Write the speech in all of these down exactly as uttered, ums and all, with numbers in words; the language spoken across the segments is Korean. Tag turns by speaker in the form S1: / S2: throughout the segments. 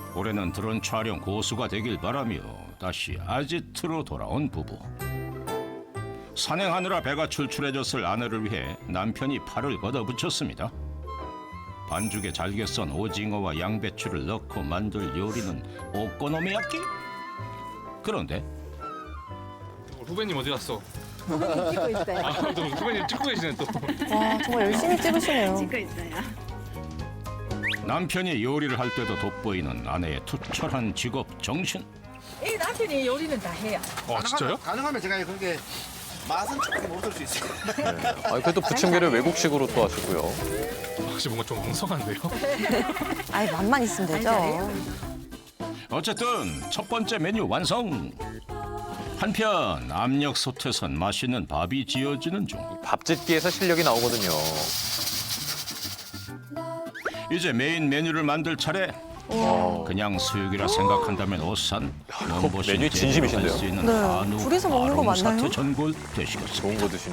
S1: 올해는 드론 촬영 고수가 되길 바라며 다시 아지트로 돌아온 부부. 산행하느라 배가 출출해졌을 아내를 위해 남편이 팔을 걷어붙였습니다. 반죽에 잘게 썬 오징어와 양배추를 넣고 만들 요리는 오코노미야끼? 그런데
S2: 후배님 어디 갔어?
S3: 찍고 있어요.
S2: 아, 또 후배님 찍고 계시네 또.
S4: 와, 정말 열심히 찍으시네요.
S3: 찍고 있어요.
S1: 남편이 요리를 할 때도 돋보이는 아내의 투철한 직업 정신.
S5: 이 남편이 요리는 다 해요.
S2: 아 진짜요?
S6: 가능하면 제가 그렇게 맛은 조금 없을 수 있어요.
S7: 아, 그래도 부침개를 외국식으로 또 하시고요.
S2: 혹시 뭔가 좀 엉성한데요?
S4: 아이, 맛만 있으면 되죠.
S1: 어쨌든 첫 번째 메뉴 완성. 한편 압력 솥에선 맛있는 밥이 지어지는 중.
S7: 밥짓기에서 실력이 나오거든요.
S1: 이제 메인 메뉴를 만들 차례. 그냥 수육이라 생각한다면 오산 몸보신
S7: 메뉴 진심이신데요?
S1: 수 있는
S4: 네,
S1: 한우
S4: 둘이서 먹는 거
S1: 아롱사태
S4: 맞나요?
S1: 전골 되시겠습니다.
S7: 좋은 거 드시네.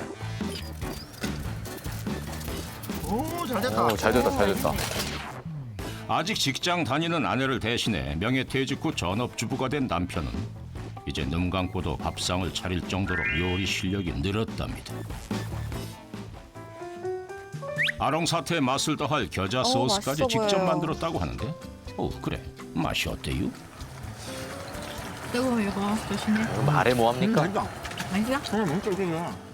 S6: 오, 잘 됐다.
S7: 오, 잘 됐다, 잘 됐다.
S1: 아직 직장 다니는 아내를 대신해 명예퇴직 후 전업주부가 된 남편은 이제 눈 감고도 밥상을 차릴 정도로 요리 실력이 늘었답니다. 아롱사태의 맛을 더할 겨자 소스까지
S4: 맛있어
S1: 직접
S4: 보여요.
S1: 만들었다고 하는데 오 그래 맛이 어때요?
S3: 이거 이거 조심해.
S7: 말해 뭐 합니까?
S6: 맛있다.
S3: 맛있어?
S6: 응, 진짜 이거야.